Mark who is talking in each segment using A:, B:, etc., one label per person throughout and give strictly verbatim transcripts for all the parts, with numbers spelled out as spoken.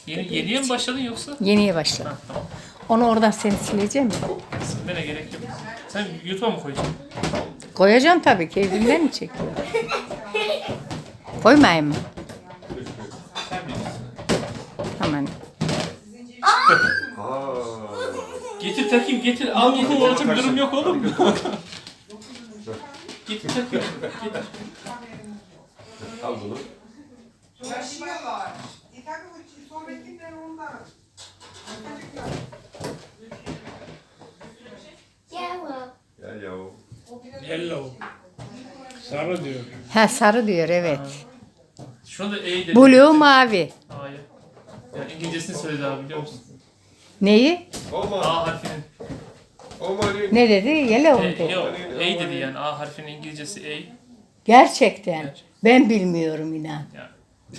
A: Yeni, yeniye mi başladın yoksa?
B: Yeniye başladım.
A: Ha, tamam.
B: Onu oradan seni sileceğim mi?
A: Silmene gerek yok. Sen YouTube'a mı koyacaksın?
B: Koyacağım tabii ki. Evimden mi çekiyor? Koymayayım mı?
A: Sen bilirsin.
B: Aman.
A: Getir takayım getir. Al getir takayım. Bir durum yok oğlum. Getir takayım. Getir.
C: Al bunu.
D: Yaşıyorlar. E tabii bu sohbetlikler ondan.
C: Gel yahu.
E: Hello. Sarı diyor.
B: Ha sarı diyor evet.
A: Şuna da E dedi.
B: Blue mavi.
A: A'ya. Ya İngilizcesini söyledi abi biliyor musun?
B: Neyi?
C: Olma.
A: A harfinin.
C: Olma Ali.
B: Ne dedi? Yellow
A: E,
B: mu dedi?
A: yok. E dedi yani. A harfinin İngilizcesi E.
B: Gerçekten.
A: Gerçek.
B: Ben bilmiyorum inan.
A: Ya.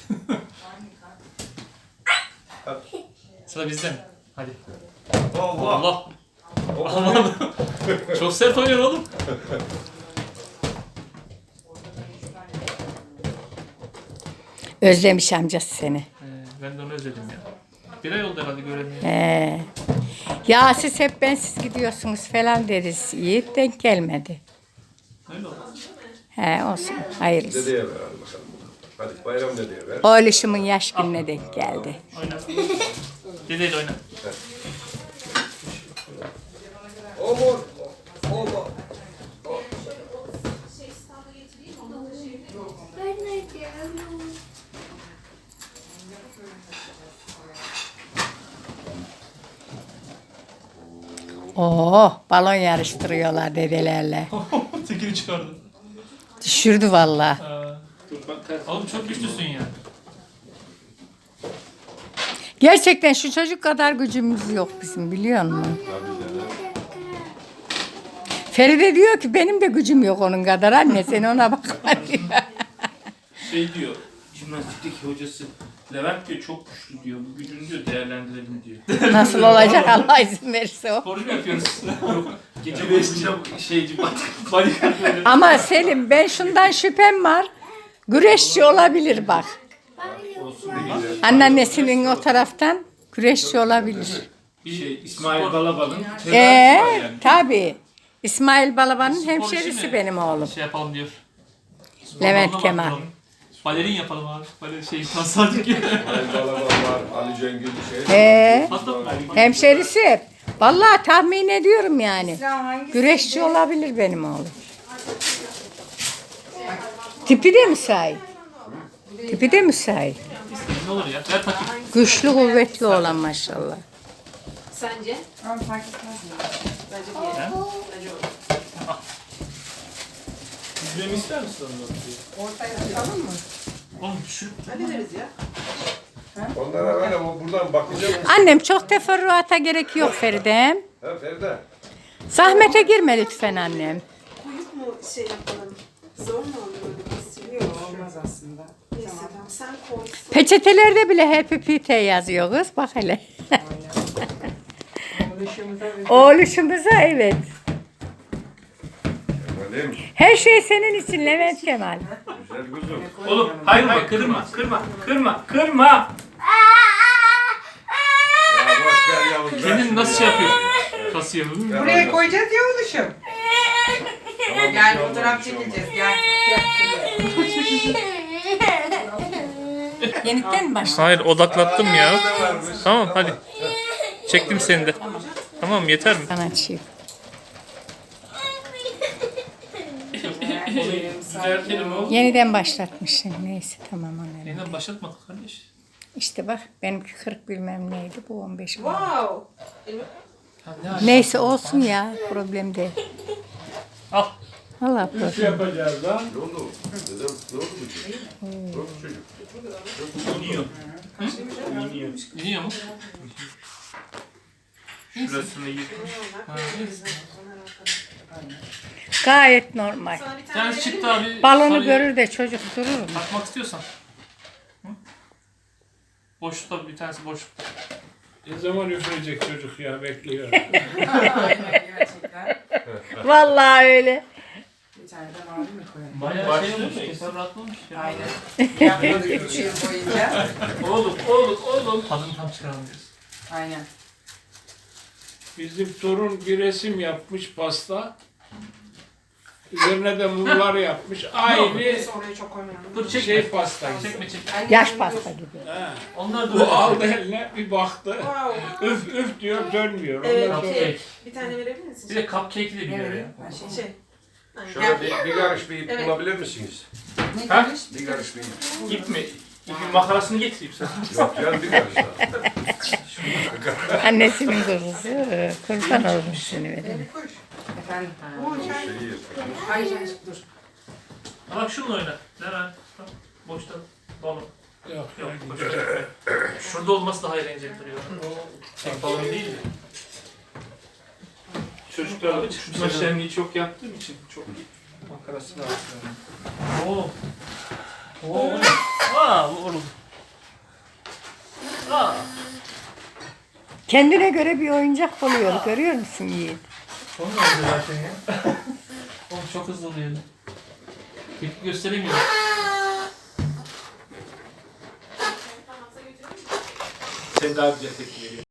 A: Sıra bizde mi? Hadi.
C: Allah.
A: Allah. Aman. Çok sert oynuyor oğlum.
B: Özlemiş amcası seni.
A: Ee, ben de onu özledim ya. Bir ay oldu herhalde göremiyorum.
B: He. Ya siz hep bensiz gidiyorsunuz falan deriz. Yiğit denk gelmedi.
A: Öyle oldu.
B: He olsun. Hayırlısı.
C: Dedeye ver hadi bakalım. Hadi bayram dedeye ver.
B: Oğluşumun yaş gününe denk geldi.
A: Oyna. Dedeyle oyna.
C: Olma. Olma.
B: Oo, balon yarıştırıyorlar dedelerle.
A: Tekini çıkardı.
B: Düşürdü vallahi.
A: Aa, oğlum çok güçlüsün ya.
B: Gerçekten şu çocuk kadar gücümüz yok bizim biliyor musun? Feride diyor ki benim de gücüm yok onun kadar anne sen ona bakma diyor.
A: Şey diyor, jimnastikteki hocası Levent diyor çok güçlü diyor. Bu gücünü diyor değerlendirelim diyor.
B: Nasıl olacak Allah izin verirse o.
A: Sporcu mu yapıyoruz? Yok. Gece boyunca şeyci bodyguard böyle.
B: Ama Selim ben şundan şüphem var. Güreşçi olabilir bak. Anneannesinin o taraftan güreşçi olabilir.
A: Bir şey,
E: İsmail Balabal'ın
B: Ee, tabii. İsmail Balaban'ın
A: Spor işi
B: hemşerisi
A: mi?
B: benim oğlum.
A: Şey yapalım diyor.
B: Levent
A: Sporla
B: Kemal.
A: baktıralım. Balerin yapalım abi. Balerin şey tasardık gibi.
C: Ali Balaban var. Ali Cengil şey.
B: Ee,
A: Hatta
B: hemşerisi hep. Vallahi tahmin ediyorum yani.
D: İslam hangisi?
B: Güreşçi olabilir benim oğlum. Tipi de müsait. Tipi de müsait.
A: ne olur ya? Ver takayım.
B: Güçlü kuvvetli olan maşallah.
F: Sence?
D: Ama fark etmez mi? Bence bir yere. Bence olur.
E: Yüzmemi ister misin onu?
D: Ortaya atalım mı?
A: Oğlum düşür.
D: Hadi veririz ya.
C: Onlara öyle bu- buradan bakacağım.
B: Annem çok teferruata gerek yok Feridem.
C: Ha Feride.
B: Zahmete girme lütfen annem.
F: Koyup mu şey yapalım? Zor mu olur öyle kesiliyor?
D: Olmaz aslında.
F: Neyse tamam sen koy.
B: Peçetelerde bile Happy Pete yazıyor kız. Bak hele.
D: Oluşumuza ve
B: Oğluşumuza evet.
C: Öyle mi?
B: Her şey senin için Levent Kemal.
C: Güzel kuzum.
A: Oğlum hayır hayır kırma kırma kırma kırma.
C: Ya boş ver Yavuz. ver
A: Kendini
C: şunu
A: nasıl
C: ya.
A: şey yapıyor? Kasıyor.
C: Gel
D: buraya
C: oynasın.
D: koyacağız ya oluşum.
C: Tamam, bir
D: Gel
C: şey olmaz,
D: fotoğraf
C: bir şey olmaz.
D: çekeceğiz. Gel.
B: Yeniden mi başla?
A: Hayır odaklattım ya.
C: Ne varmış?
A: Tamam hadi. Çektim seni de. Tamam yeter mi?
B: Sanatçı.
A: Düzeltelim oğlum.
B: Yeniden başlatmışsın. Neyse tamam annem.
A: Yeniden başlatmadık kardeş.
B: İşte bak benimki kırk bilmem neydi bu on beş.
F: Wow.
A: Ha, ne hali?
B: Neyse olsun ya problem değil.
A: Al.
B: Allah
E: Üç
B: problem.
E: yapacağız lan.
C: Ne oldu? Dedem ne oldu bu çocuk? Ne oldu çocuk?
A: İniyor. İniyor. İniyor mu? Şurasını yırtmış. Ha, neyse.
B: Gayet normal.
F: Sana bir
A: Bir
F: tane
A: tanesi çıktı abi.
B: Balonu
A: sarıyı
B: görür de çocuk durur mu?
A: Takmak istiyorsan. Hı? Boşlukta bir tanesi boşlukta.
E: Ne zaman üfleyecek çocuk ya bekliyor.
D: Aynen gerçekten.
B: Vallahi öyle.
D: Bir tane de mavi mi koyalım?
A: Bayağı şey olmuş, teferruatlamış ya.
D: Aynen. Yaptık üç yıl boyunca.
A: Oğlum, oğlum, oğlum.
G: Tadını tam çıkaramıyoruz.
D: Aynen.
E: Bizim torun bir resim yapmış pasta. Üzerine de mumlar yapmış. Aynı
D: Neyse oraya çok koymayalım.
G: Dur çekme.
E: şey pasta gibi.
G: Çekme çekme.
D: Aynen.
B: Yaş pasta gibi.
E: Ha.
G: Onlar da
E: Bu
G: öyle.
E: aldı eline bir baktı.
F: Wow.
E: Üf üf diyor dönmüyor.
F: Evet.
E: Ondan sonra
G: Cupcake.
F: Bir tane verebilir misin?
G: Bir de cupcake'i de biliyor
D: Evet.
G: ya.
D: Ben şey.
F: Şey. Aynen.
C: Şöyle bir, bir karış bir ip
F: Evet.
C: bulabilir misiniz?
D: Ne
A: Ha?
D: demiş?
C: Bir karış bir ip.
A: İp mi? İpin makarasını getireyim sana.
C: Yok canım bir karış daha.
B: Annesinin kuzusu. Kurban olmuş seni verin.
D: Efendim.
C: Şeyi yapıyor.
D: Ay can dur.
G: Bak şununla oyna. Neren? Bak, boşta. Balon.
E: yok.
G: Yok.
E: yani
G: boşta çekme. Şurada olması daha eğlenceli duruyor. Tek balon değil de.
A: Çocuklarla tutma şenliği çok yaptığım için çok makarasını atıyorum.
G: Oo. Oo. Aa, oğlum. Aa.
B: Kendine göre bir oyuncak buluyor. Görüyor musun Yiğit?
G: Son oldu zaten ya. Oğlum çok hızlı oluyor. Tepki gösteremiyorum.
A: Sen daha güzel tepki veriyorsun.